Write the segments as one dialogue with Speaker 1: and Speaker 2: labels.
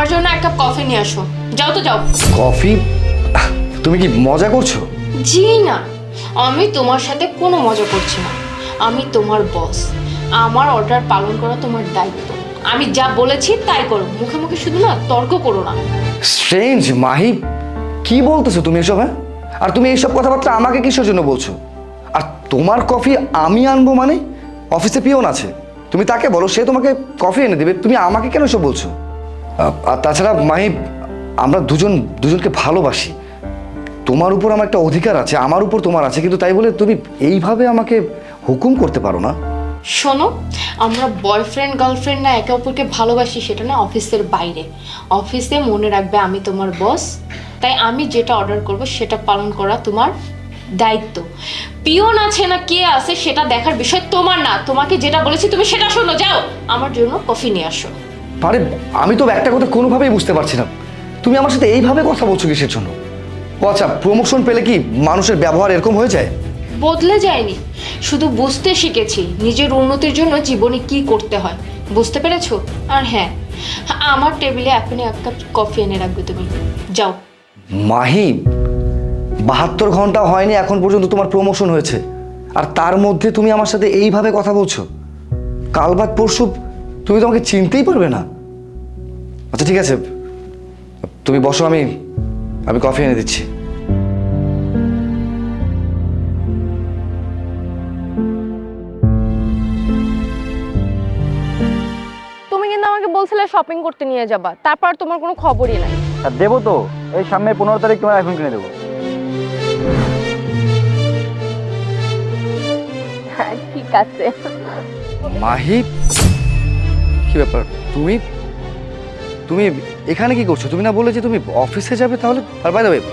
Speaker 1: আমার জন্য এক কাপ কফি নিয়ে আসো। যাও তো যাও।
Speaker 2: কফি? তুমি কি মজা করছো?
Speaker 1: জি না, আমি তোমার সাথে কোনো মজা করছি না। আমি তোমার বস, আমার অর্ডার পালন করা তোমার দায়িত্ব। আমি যা বলেছি তাই করো, মুখে মুখে শুধু না তর্ক করো না।
Speaker 2: স্ট্রেঞ্জ মাহি, কি বলতেছো তুমি এসব? হ্যাঁ, আর তুমি এইসব কথাবার্তা আমাকে কিসের জন্য বলছো? আর তোমার কফি আমি আনবো মানে? অফিসে পিয়ন আছে, তুমি তাকে বলো, সে তোমাকে কফি এনে দেবে। তুমি আমাকে কেন এসব বলছো? আর তাছাড়া মাহি, আমরা দুজনকে ভালোবাসি। তোমার উপর আমার একটা অধিকার আছে, আমার উপর তোমার আছে, কিন্তু তাই বলে তুমি এইভাবে আমাকে হুকুম করতে পারো না।
Speaker 1: শোনো, আমরা বয়ফ্রেন্ড গার্লফ্রেন্ড না একে অপরকে ভালোবাসি, সেটা না অফিসের বাইরে। অফিসে মনে রাখবে আমি তোমার বস, তাই আমি যেটা অর্ডার করব সেটা পালন করা তোমার দায়িত্ব। পিয়ন আছে না কে আছে সেটা দেখার বিষয় তোমার না। তোমাকে যেটা বলেছি তুমি সেটা শোনো। যাও, আমার জন্য কফি নিয়ে আসো।
Speaker 2: আরে আমি তো একটা কথা কোনোভাবেই বুঝতে পারছি না, তুমি আমার সাথে এইভাবে কথা বলছো কিসের জন্য? ও আচ্ছা, প্রমোশন পেলে কি মানুষের ব্যবহার এরকম হয়ে যায়?
Speaker 1: বদলে যায়নি, শুধু বুঝতে শিখেছি নিজের উন্নতির জন্য জীবনে কি করতে হয়। বুঝতে পেরেছো? আর হ্যাঁ, আমার টেবিলে এখনই এক কাপ কফি এনে রাখবে তুমি। যাও।
Speaker 2: মাহি, 72 ঘন্টা হয়নি এখন পর্যন্ত তোমার প্রমোশন হয়েছে, আর তার মধ্যে তুমি আমার সাথে এইভাবে কথা বলছো? কাল বাদ পরশু তুমি তো আমাকে চিনতেই পারবে না। আচ্ছা ঠিক আছে, তুমি বসো, আমি কফি এনে দিচ্ছি।
Speaker 3: তুমি কিন্তু আমাকে বলছিলে শপিং করতে নিয়ে যাবা, তারপর তোমার কোনো খবরই নাই।
Speaker 4: আর দেবো তো, এই সামনে 15 তারিখ তোমার আইফোন কিনে দেবো।
Speaker 3: হ্যাঁ ঠিক আছে।
Speaker 2: মাহি, কি ব্যাপার? তুমি তুমি এখানে কি করছো? তুমি না বললে যে তুমি অফিসে যাবে? তাহলে আর বাই দ্য ওয়ে,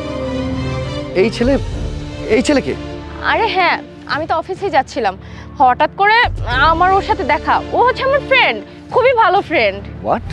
Speaker 2: এই ছেলেকে?
Speaker 3: আরে হ্যাঁ, আমি তো অফিসে যাচ্ছিলাম, হঠাৎ করে আমার ওর সাথে দেখা। ও হচ্ছে আমার ফ্রেন্ড, খুবই ভালো ফ্রেন্ড।
Speaker 2: হোয়াট?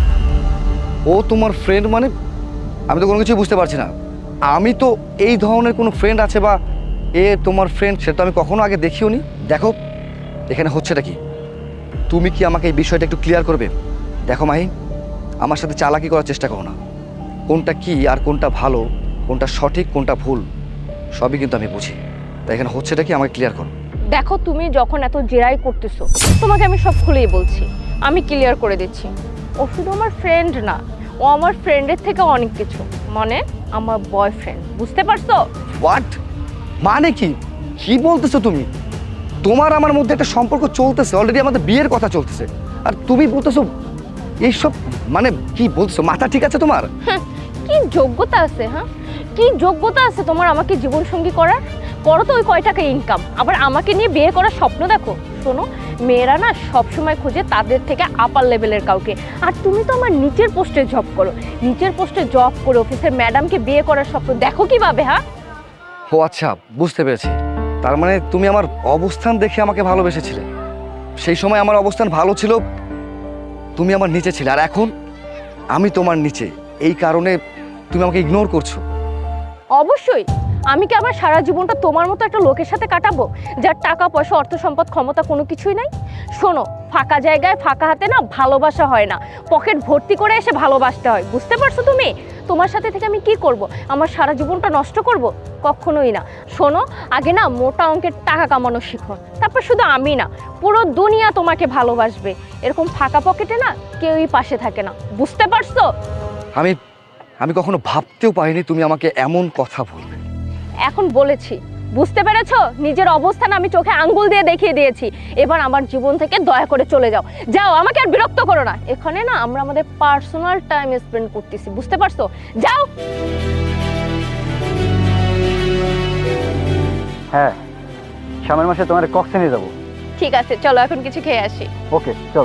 Speaker 2: ও তোমার ফ্রেন্ড মানে? আমি তো কোনো কিছুই বুঝতে পারছি না। আমি তো এই ধরনের কোনো ফ্রেন্ড আছে বা এ তোমার ফ্রেন্ড সেটা আমি কখনো আগে দেখিও নি। দেখো, এখানে হচ্ছেটা কি? তুমি কি আমাকে এই বিষয়টা একটু ক্লিয়ার করবে? দেখো মাহি, আমার সাথে চালাকি করার চেষ্টা করো না। কোনটা কি আর কোনটা ভালো, কোনটা সঠিক কোনটা ভুল, সবই কিন্তু আমি বুঝি। তাই এখানে হচ্ছেটা কি আমাকে ক্লিয়ার করো।
Speaker 3: দেখো, তুমি যখন এত জেরাই করতেছো, তোমাকে আমি সব খুলেই বলছি, আমি ক্লিয়ার করে দিচ্ছি। ও শুধু আমার ফ্রেন্ড না, ও আমার ফ্রেন্ডের থেকে অনেক কিছু, মানে আমার বয়ফ্রেন্ড। বুঝতে পারছো?
Speaker 2: হোয়াট? মানে কি? কি বলতেছো তুমি? তোমার আমার মধ্যে একটা সম্পর্ক চলতেছে, অলরেডি আমাদের বিয়ের কথা চলতেছে, আর তুমি বলতেছো এইসব? মানে কি বলছো? মাথা ঠিক আছে তোমার?
Speaker 3: কি যোগ্যতা আছে? হ্যাঁ, কি যোগ্যতা আছে তোমার আমাকে জীবন সঙ্গী করার? করো তো ওই কয় টাকা ইনকাম, আবার আমাকে নিয়ে বিয়ে করার স্বপ্ন দেখো। শোনো, মেয়েরা না সবসময় খোঁজে তাদের থেকে আপার লেভেলের কাউকে, আর তুমি তো আমার নিচের পোস্টে জব করো। নিচের পোস্টে জব করে অফিসের ম্যাডামকে বিয়ে করার স্বপ্ন দেখো কিভাবে? হ্যাঁ,
Speaker 2: ও আচ্ছা, বুঝতে পেরেছি। তার মানে তুমি আমার অবস্থান দেখে আমাকে ভালোবেসেছিলে। সেই সময় আমার অবস্থান ভালো ছিল, তুমি আমার নিচে ছিলে, আর এখন আমি তোমার নিচে, এই কারণে তুমি আমাকে ইগনোর করছো।
Speaker 3: অবশ্যই। আমি কি আবার সারা জীবনটা তোমার মতো একটা লোকের সাথে কাটাবো যার টাকা পয়সা অর্থ সম্পদ ক্ষমতা কোনো কিছুই নাই? শোনো, ফাঁকা জায়গায় ফাঁকা হাতে না ভালোবাসা হয় না, পকেট ভর্তি করে এসে ভালোবাসতে হয়। বুঝতে পারছো তুমি? তোমার সাথে থেকে আমি কি করব? আমার সারা জীবনটা নষ্ট করব? কখনোই না। শোনো, আগে না মোটা অঙ্কের টাকা কামানো শিখো, তারপর শুধু আমি না, পুরো দুনিয়া তোমাকে ভালোবাসবে। এরকম ফাঁকা পকেটে না কেউই পাশে থাকে না। বুঝতে পারছো?
Speaker 2: আমি কখনো ভাবতেও পারিনি তুমি আমাকে এমন কথা বলবে।
Speaker 3: এখন বলেছি, বুঝতে পেরেছো? নিজের অবস্থান আমি চোখে আঙ্গুল দিয়ে দেখিয়ে দিয়েছি। এবার আমার জীবন থেকে দয়া করে চলে যাও। যাও, আমাকে আর বিরক্ত করো না। এখানে না আমরা আমাদের পার্সোনাল টাইম স্পেন্ড করতেছি। বুঝতে পারছো? যাও।
Speaker 4: হ্যাঁ, সামনের মাসে তোমার কক্সে নিয়ে যাবো।
Speaker 3: ঠিক আছে, চলো এখন কিছু খেয়ে আসি।
Speaker 4: ওকে, চলো।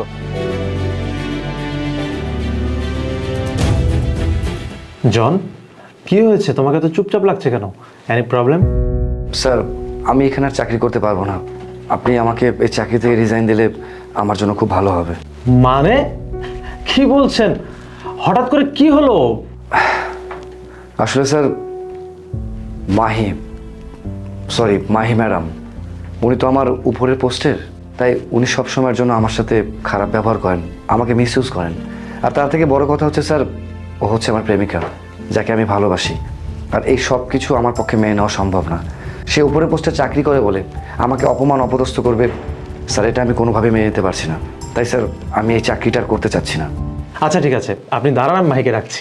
Speaker 5: জন, কি হয়েছে? তোমাকে তো চুপচাপ লাগছে কেন? Any problem?
Speaker 2: স্যার, আমি এখানে আর চাকরি করতে পারবো না। আপনি আমাকে এই চাকরি থেকে রিজাইন দিলে আমার জন্য খুব ভালো হবে।
Speaker 5: মানে কি বলছেন? হঠাৎ করে কি হলো?
Speaker 2: আসলে স্যার, মাহি ম্যাডাম, উনি তো আমার উপরের পোস্টের, তাই উনি সবসময়ের জন্য আমার সাথে খারাপ ব্যবহার করেন, আমাকে মিসইউজ করেন। আর তার থেকে বড় কথা হচ্ছে স্যার, ও হচ্ছে আমার প্রেমিকা, যাকে আমি ভালোবাসি। আর এই সব কিছু আমার পক্ষে মেনে নেওয়া সম্ভব না। সে উপরে পোস্টে চাকরি করে বলে আমাকে অপমান অপদস্থ করবে, স্যার এটা আমি কোনোভাবে মেনে নিতে পারছি না। তাই স্যার আমি এই চাকরিটা আর করতে চাচ্ছি না।
Speaker 5: আচ্ছা ঠিক আছে, আপনি দাঁড়ান, আমি মাহিকে রাখছি।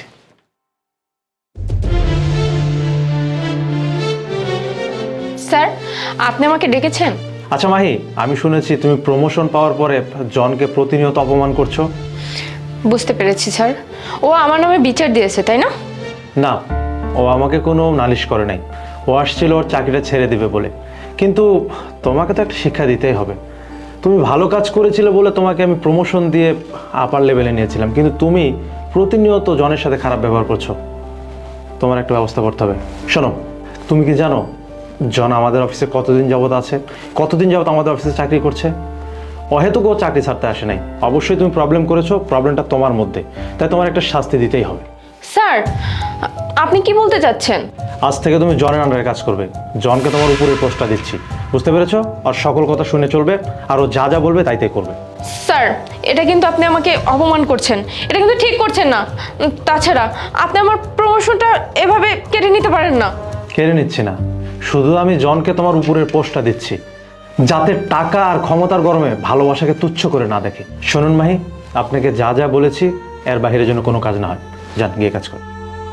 Speaker 1: স্যার, আপনি আমাকে ডেকেছেন?
Speaker 5: আচ্ছা মাহি, আমি শুনেছি তুমি প্রমোশন পাওয়ার পরে জনকে প্রতিনিয়ত অপমান করছো।
Speaker 1: বুঝতে পেরেছি স্যার। ও আমার নামে বিচার দিয়েছে, তাই না?
Speaker 5: না, ও আমাকে কোনো নালিশ করে নাই। ও আসছিল ওর চাকরিটা ছেড়ে দিবে বলে, কিন্তু তোমাকে তো একটা শিক্ষা দিতেই হবে। তুমি ভালো কাজ করেছিলে বলে তোমাকে আমি প্রমোশন দিয়ে আপার লেভেলে নিয়েছিলাম, কিন্তু তুমি প্রতিনিয়ত জনের সাথে খারাপ ব্যবহার করছো। তোমার একটা ব্যবস্থা করতে হবে। শোনো, তুমি কি জানো জন আমাদের অফিসে কতদিন যাবত আছে, কতদিন যাবত আমাদের অফিসে চাকরি করছে? অহেতুক ও চাকরি ছাড়তে আসে নাই। অবশ্যই তুমি প্রবলেম করেছো, প্রবলেমটা তোমার মধ্যে, তাই তোমার একটা শাস্তি দিতেই হবে।
Speaker 1: স্যার, আপনি কি বলতে চাচ্ছেন?
Speaker 5: আজ থেকে তুমি জনের আন্ডারে কাজ করবে। জনকে তোমার উপরের পোস্টটা দিচ্ছি, বুঝতে পেরেছো? আর সকল কথা শুনে চলবে, আর ও যা যা বলবে তাই তাই করবে।
Speaker 1: স্যার, এটা কিন্তু আপনি আমাকে অপমান করছেন, এটা কিন্তু ঠিক করছেন না। তাছাড়া আপনি আমার প্রমোশনটা এভাবে কেড়ে নিতে পারেন না।
Speaker 5: কেড়ে নিচ্ছি না, শুধু আমি জনকে তোমার উপরের পোস্টটা দিচ্ছি, যাতে টাকা আর ক্ষমতার গরমে ভালোবাসাকে তুচ্ছ করে না দেখে। শুনুন মাহি, আপনাকে যা যা বলেছি এর বাইরে যেন কোনো কাজ না হয়। যান, গিয়ে কাজ করুন।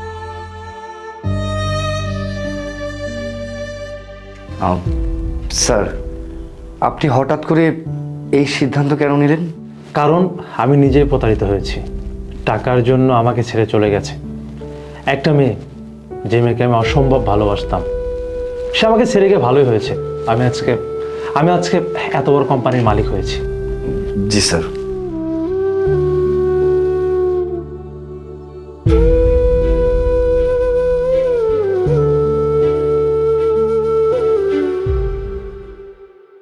Speaker 2: স্যার, আপনি হঠাৎ করে এই সিদ্ধান্ত কেন নিলেন?
Speaker 5: কারণ আমি নিজেই প্রতারিত হয়েছি। টাকার জন্য আমাকে ছেড়ে চলে গেছে একটা মেয়ে, যে মেয়েকে আমি অসম্ভব ভালোবাসতাম। সে আমাকে ছেড়ে গিয়ে ভালোই হয়েছে। আমি আজকে এত বড় কোম্পানির মালিক হয়েছি।
Speaker 2: জি স্যার।